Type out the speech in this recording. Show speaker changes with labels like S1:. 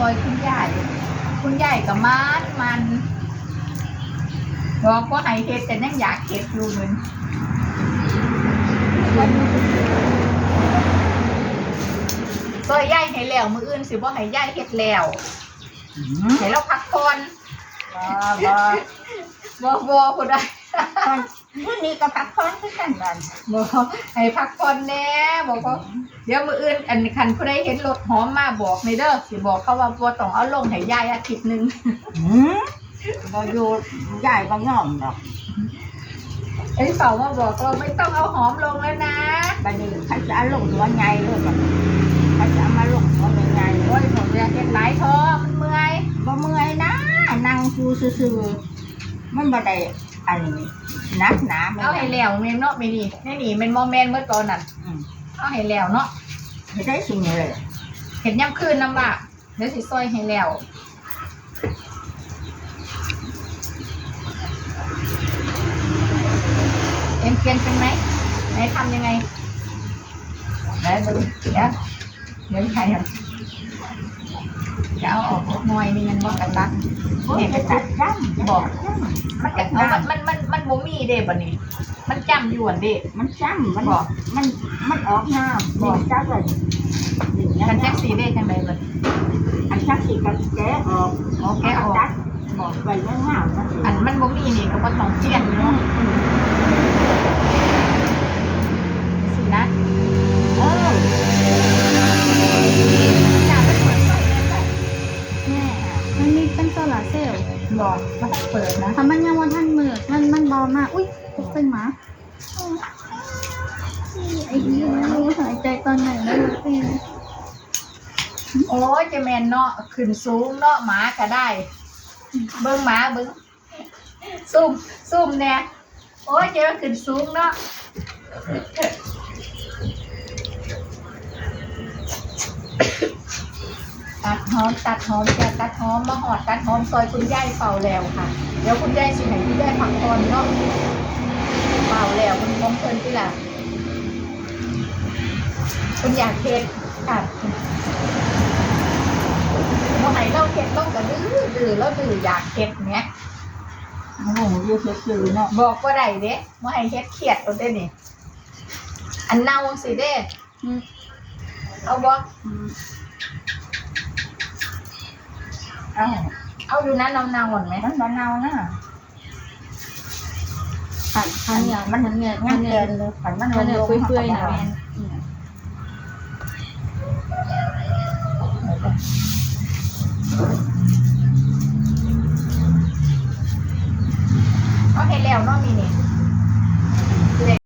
S1: อยคุณยายกับมันบอกว่าให้เฮ็ดแต่ยังอยากเฮ็ดอยู่เหมือนซอยยายให้แล้วมื้ออื่นสิบ่ให้ยายเฮ็ดแล้วให้เราพักผ่อนบ่ผู้ใด
S2: วันนี้ก็พักผ่อนคือกันบ้าน
S1: บ่ให้พักผ่อนแน่บอกว่าเดี๋ยวมื้ออื่นอันคันผู้ใดเห็นรถหอมมาบอกในเด้อสิบอกเขาว่าบ่ต้องเอาลงให้ยายอาทิตย์นึง
S2: บ่อยู่ใหญ่บ่ย่อมดอก
S1: ไอ้เฝ้ามาบอกเราไม่ต้องเอาหอมลงแล้วนะ
S2: บัดนี้เขาจะเอาลงหัวใหญ่เลยบัดเขาจะเอามาลงหัวใหญ่
S1: โอ้ยผมอยากเฮ็ดหลายท้อมันเมื่อย
S2: บ่เมื่อยนะนั่งซื่อๆมันบ่ได้อันนี้นักหนา
S1: เอาให้แล้วแม่นเนาะไม่นี่ในนี่มันบ่แม่นเมื่อตอนนั้นเอาให้แล้วเนาะ
S2: ให้ได้สิ่งนี้เลย
S1: เห็นย่ำคืนน้ำละเดี๋ยวสิซอยให้แล้วเปลี่ยนเป็นไหมไหนทำยังไงแล้วเดี๋ยวใครครับจะเอาออกหน่อยมีเงินบอกกันตัก
S2: เนี่ยไปตัดจ้ำ
S1: บอกมันกันมันบ่มีเด้บ่นี่มันจำอยู่อันเด้
S2: มันจ้ำมันบอกมันออกน้ำบอกจ้ำเลย
S1: กันแจ็คสีเด้จังไดบ่
S2: อันชักสีกับแกะออก
S1: แกะออก
S2: บอกไปเรื่องเงา
S1: อันมันบ่มีนี่ก็บ่ต้องเปลี่ยนเนาะสินะ
S3: มันมีเป็นโซลาร์เซลล์
S1: บอกมาเปิดนะ
S3: ถ้ามันยังวันทันมือมันเบามากอุ้ยตกเป็นหมาไอ้ยี่รู้หายใจตอนไหนไม่รู้เป็น
S1: โอ้ยจะแมนเนาะขึ้นสูงเนาะหมาก็ได้เบิ้งหมาเบิ้งซุ่มแน่โอ้ยเจอขึ้นสูงเนาะตัดหอมจะตัดหอมมาหอดตัดหอมซอยคุณยายเป่าแล้วค่ะเดี๋ยวคุณยายสิให้คุณยายพักผ่อนเนาะเป่าแล้วคุณมองเพลินที่ละคุณอยากเฮ็ดค่ะเมื่อไหร่เราเฮ็ดต้องกระดื้อแล้วดื้ออยากเฮ็ดเนี้ย
S2: โอ้โหยืดซื่อเนาะ
S1: บอกว่าไรเด้เมื่อไหร่เฮ็ดเครียดเอาได้นี่อันเน่าสิเด้เอาบ่เอาอยู่นะเน่าๆไหม
S2: มันเน่านะ
S3: ขันเนี่ยมันเนี่ย
S2: งั้นเกินเลยขันมัน
S3: เนี่ยเปื่อยๆนะแม่
S1: เอาให้แล้วเนาะมีนี่